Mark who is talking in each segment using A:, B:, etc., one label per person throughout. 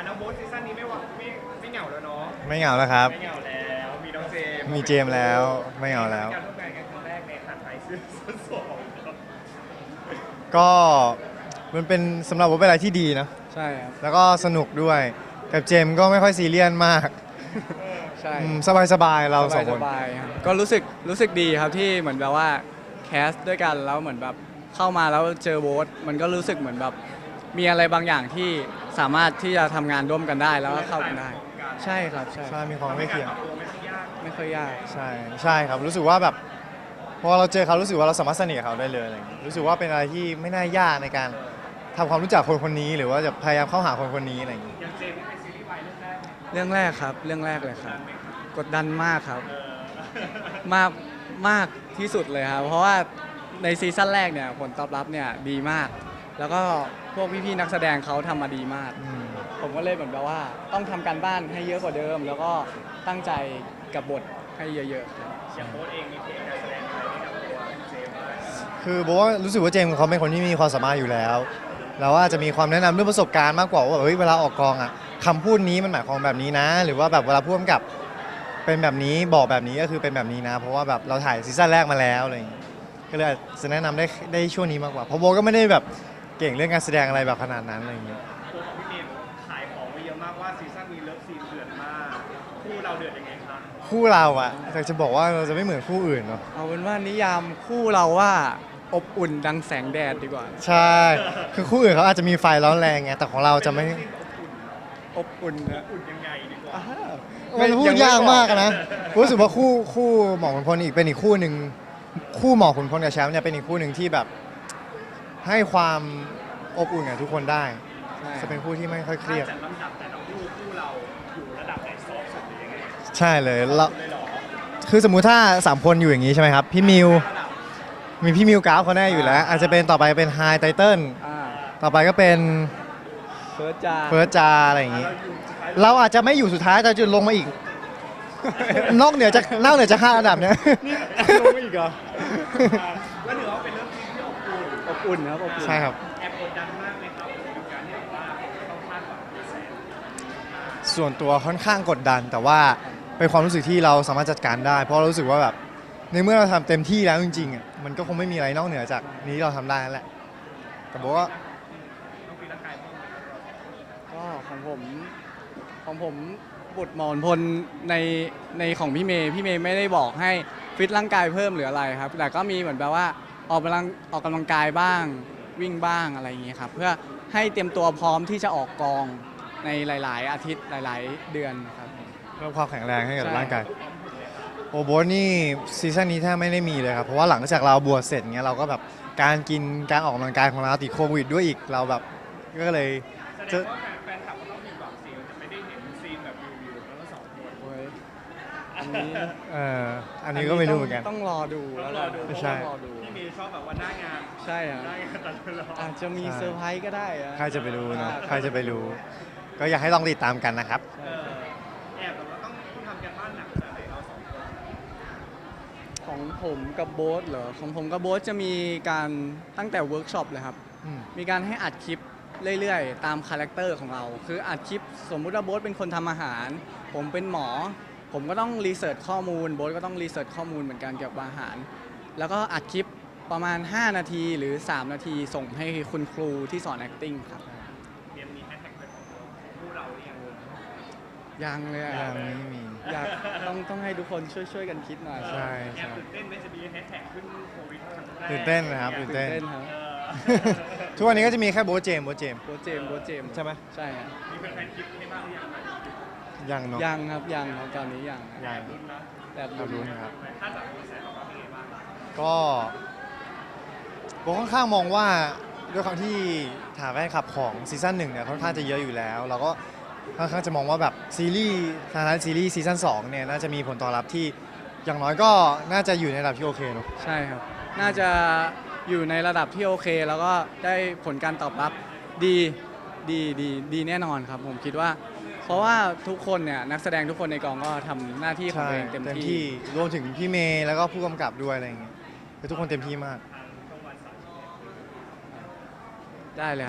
A: น้องโบ๊ทซีซั่นนี้ไม่หวังไม่เหงาแล้วเนาะ
B: ไม่เหงาแล้วครับ
A: ไม่เหงาแล้วมีน้องเจมส์
B: มีเจมส์แล้วไม่เหงาแล้ว
A: การร่วมงานกันครั้งแรกในหัดไทยซื้อสองครับ
B: ก็มันเป็นสำหรับผมเป็นอะไรที่ดีนะ
C: ใช่ครับ
B: แล้วก็สนุกด้วยกับเจมส์ก็ไม่ค่อยซีเรียสมาก
C: ใช่
B: สบายๆเราสองคน
C: สบายๆครับก็รู้สึกดีครับที่เหมือนแบบว่าแคสด้วยกันแล้วเหมือนแบบเข้ามาแล้วเจอโบ๊ทมันก็รู้สึกเหมือนแบบมีอะไรบางอย่างที่สามารถที่จะทำงานร่วมกันได้แล้วก็เข้ากันได้ใช่ครับใช่
B: ใช่มีความไม่เคียง
C: ไม่ค่อยยาก
B: ใช่ครับรู้สึกว่าแบบพอเราเจอเขารู้สึกว่าเราสามารถสนิทกับเขาได้เลยอะไรอย่างเงี้ยรู้สึกว่าเป็นอะไรที่ไม่น่ายากในการทำความรู้จักคนคนนี้หรือว่าจะพยายามเข้าหาคนคนนี้อะไรอย่างเงี้ย
A: อย่างเจมส์นี่เป็นซีรีส์วาย
C: เรื่องแรกครับเรื่องแรกเลยครับกดดันมากครับมากมากที่สุดเลยครับเพราะว่าในซีซั่นแรกเนี่ยผลตอบรับเนี่ยดีมาก แล้วก็พวกพี่ๆนักแสดงเขาทำมาดีมากผมก็เลยเหมือนแบบว่าต้องทำการบ้านให้เยอะกว่าเดิม แล้วก็ตั้งใจกับบทให้เยอะๆ
A: อย่างโบ๊ทเองมีเพลงการแสดงอะไรให้กับตัวเจมส์บ้าง
B: คือบอกว่ารู้สึกว่าเจมส์เขาเป็นคนที่มีความสามารถอยู่แล้วแล้วว่าจะมีความแนะนำเรื่องประสบการณ์มากกว่าว่าเฮ้ยเวลาออกกองอ่ะคำพูดนี้มันหมายความแบบนี้นะ หรือว่าแบบเวลาพูดกับเป็นแบบนี้บอกแบบนี้ก็คือเป็นแบบนี้นะ เพราะว่าแบบเราถ่ายซีซั่นแรกมาแล้วอะไรอย่างเงี้ยก็เลยจะแนะนำได้ช่วงนี้มากกว่าเพราะโบก็ไม่ได้แบบเก่งเรื่องการแสดงอะไรแบบขนาดนั้นอะไรอย่างเงี้ย
A: ตัวของพี่เมย์ขายของไว้เยอะมากว่าซีซั่นนี้เลิฟซีนเดือดมากคู่เราเดือดยังไงครับ
B: คู่เราอะแต่จะบอกว่าเราจะไม่เหมือนคู่อื่นเนาะ
C: เอาเป็นว่านิยามคู่เราว่าอบอุ่นดังแสงแดดดีกว่า
B: ใช่คือคู่อื่นเขาอาจจะมีไฟร้อนแรงไงแต่ของเราจะไม่
C: อบอุ่นนะ
A: อุ่นยังไงดีกว่า
B: มันพูดยากมากนะรู้สึกว่าคู่หมอขุนพลอีกเป็นอีกคู่หนึ่งคู่หมอขุนพลกับแชมป์เนี่ยเป็นอีกคู่หนึ่งที่แบบให้ความอบอุ่นกับทุกคนได้จะเป็นคู่ที่ไม่ค่อยเครียด
A: จัดลำดับแต่ละคู่เราอยู่ระดับไหนซอฟสุดหรือยังไง
B: ใช่เลยแล้วคือสมมุติถ้า3คนอยู่อย่างนี้ใช่ไหมครับพี่มิวมีพี่มิวกราฟเขาแน่อยู่แล้วอาจจะเป็นต่อไปเป็นไฮไทเทิลต่อไปก็เป็น
C: เฟิร์ส
B: จาอะไรอย่างนี้เราอาจจะไม่อยู่สุดท้ายแต่จะลงมาอีกนอกเหนือจาก5อันดับเนี้ย
C: ลงมาอีกเหรอ
A: แล้วถือว่าเป็นเรื่องที่
C: อบอุ่นครับอบอุ่น
B: ใช่ครับ
A: แอบกดดันมากไหมครับกับการที่แบบว่าต้องคาดหวังกระแส
B: ส่วนตัวค่อนข้างกดดันแต่ว่าเป็นความรู้สึกที่เราสามารถจัดการได้เพราะเรารู้สึกว่าแบบในเมื่อเราทำเต็มที่แล้วจริงๆอ่ะมันก็คงไม่มีอะไรนอกเหนือจากนี้เราทำได้นั่นแหละแต่บอกว่า
A: ต้องปีละกายบ้าง
C: ก็ของผมบุตรหมอนพลในของพี่เมย์ไม่ได้บอกให้ฟิตร่างกายเพิ่มหรืออะไรครับแต่ก็มีเหมือนแบบว่าออกกำลังกายบ้างวิ่งบ้างอะไรอย่างเงี้ยครับเพื่อให้เตรียมตัวพร้อมที่จะออกกองในหลายๆอาทิตย์หลายๆเดือนครับ
B: เพิ่มความแข็งแรงให้กับร่างกายโอโบนี่ซีซั่นนี้แทบไม่ได้มีเลยครับเพราะว่าหลังจากเราบวชเสร็จเงี้ยเราก็แบบการกินการออกกำลังกายของเราติดโควิดด้วยอีกเราแบบก็เลย
A: จะแฟนคลับก็ต้องมีหวังซีจะไม่ได้เห็นซีนแบบวิวแล้วก็สองคน
C: อันนี้
B: อันนี้ก็ไม่รู้เหมือนกัน
C: ต้องรอดูแล้ว
B: ใช่
A: พี่มีชอบแบบว่าหน้างาน
C: ใช่
A: หน้างานตลอด
C: อาจจะมีเซอร์ไพรส์ก็ได้
B: ใครจะไปรู้นะใครจะไปรู้ก็อยากให้ลองติดตามกันนะครับ
A: แอบแบบว่าต้องทำกันบ้านหนักขนาดไหนเราสองคน
C: ของผมกับโบ๊ทเหรอของผมกับโบ๊ทจะมีการตั้งแต่เวิร์กช็อปเลยครับมีการให้อัดคลิปเรื่อยๆตามคาแรคเตอร์ของเราคืออัดคลิปสมมุติว่าโบ๊ทเป็นคนทำอาหารผมเป็นหมอผมก็ต้องรีเสิร์ชข้อมูลโบ๊ทก็ต้องรีเสิร์ชข้อมูลเหมือนกันเกี่ยวกับอาหารแล้วก็อัดคลิปประมาณ5นาทีหรือ3นาทีส่งให้คุณครูที่สอน acting ครับ
A: เตรียมมีแฮชแท็กเป็นของคู่เราหรือยัง
C: ยังเลย
B: ยังไม่มี
C: อยากต้องให้ทุกคนช่วยกันคิดหน่อย
B: ใช่
A: แอบตื่นเต้นไหมจะมีแฮชแท็กขึ้นโควิด
B: ตื่นเต้นนะครับตื่นเต้น
C: ครับ
B: ทุกวันนี้ก็จะมีแค่โบเจมใช่ไหม
C: ใช่ครับ
A: มีแฟนๆคิดให้บ้างหรือยัง
B: ยังเนาะ
C: ยังครับตอนนี้ยัง
B: แต่ลุ้นครับ
A: ถ้าจากกระแสตอบรับเป็นไงบ้าง
B: ก็ผมค่อนข้างมองว่าด้วยความที่ฐานแฟนคลับของซีซั่น1เนี่ยค่อนข้างจะเยอะอยู่แล้วเราก็ค่อนข้างจะมองว่าแบบซีรีส์ซีซั่น2เนี่ยน่าจะมีผลตอบรับที่อย่างน้อยก็น่าจะอยู่ในระดับที่โอเคเนาะ
C: ใช่ครับน่าจะอยู่ในระดับที่โอเคแล้วก็ได้ผลการตอบรับดีแน่นอนครับผมคิดว่าเพราะว่าทุกคนเนี่ยนักแสดงทุกคนในกองก็ทำหน้าที่ของตัวเองเต็มที่
B: รวมถึงพี่เมย์แล้วก็ผู้กำกับด้วยอะไรอย่างเงี้ยทุกคนเต็มที่มาก
C: ได้เลยครับ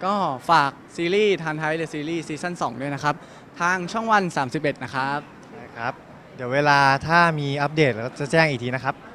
C: ก็ฝากซีรีส์ทันไทยเดอะซีรีส์ซีซั่น2ด้วยนะครับ ทางช่องวัน 31 นะครับ
B: นะครับ เดี๋ยวเวลาถ้ามีอัปเดตเราจะแจ้งอีกทีนะครับ